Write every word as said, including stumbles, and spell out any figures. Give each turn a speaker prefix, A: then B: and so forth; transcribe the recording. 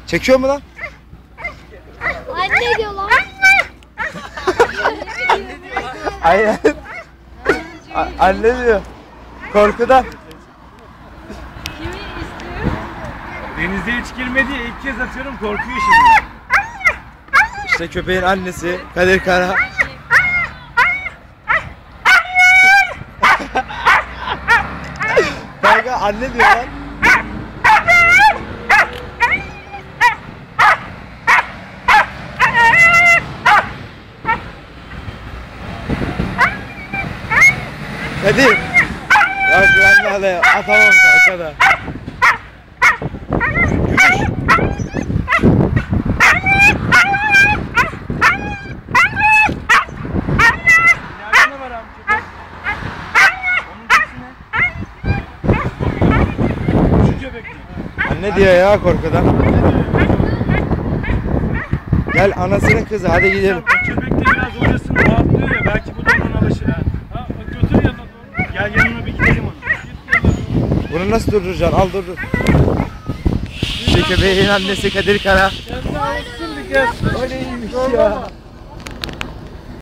A: Çekiyor mu lan?
B: Anne diyor lan.
A: Aynen. Anne diyor. Korkudan.
C: Kimi istiyor? Denize hiç girmedi ya, ilk kez atıyorum, korkuyor şimdi.
A: İşte köpeğin annesi Kadir Kara. Kanka anne diyor lan. Kadir. Ya güvenli alaya atamam kanka da.
C: Nerede var abi köpek? Onun sesi ne? Şu köpek mi?
A: Anne diyor ya korkudan. Gel anasının kızı hadi gidelim.
C: O köpek de biraz hocasını rahatlıyor ya, belki bu da ona alışır ha. Ha götür yanına doğru. Gel yanına bir gidelim onu.
A: Bunu nasıl durduracaksın? Al durdur. İşte köpeğin annesi Kadir Kara.
C: Sen de alışsın bir gel.
A: Öyleymiş ya.